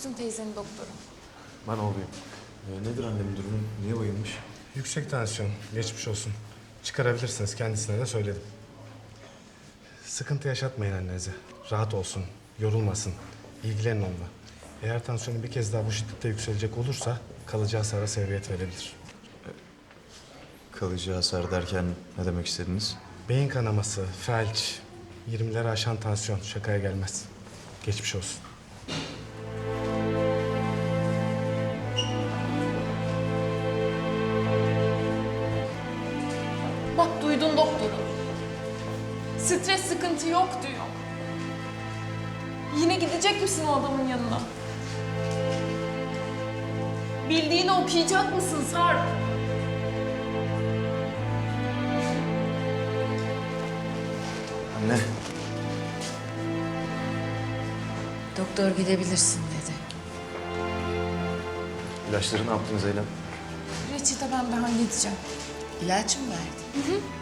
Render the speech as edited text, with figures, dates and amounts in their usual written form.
Füsun teyzenin doktoru. Ben olayım. Nedir annemin durumu? Niye bayılmış? Yüksek tansiyon, geçmiş olsun. Çıkarabilirsiniz, kendisine de söyledim. Sıkıntı yaşatmayın annenize. Rahat olsun, yorulmasın, ilgilenin onunla. Eğer tansiyonu bir kez daha bu şiddette yükselecek olursa kalıcı hasara sebebiyet verebilir. Kalıcı hasar derken ne demek istediniz? Beyin kanaması, felç, 20'leri aşan tansiyon şakaya gelmez. Geçmiş olsun. Bak duydun doktoru. Stres sıkıntı yok diyor. Yine gidecek misin o adamın yanına? Bildiğini okuyacak mısın Sarp? Anne. Doktor gidebilirsin dedi. İlaçları ne yaptınız Eylem? Reçete ben halledeceğim. İlaç mı verdi?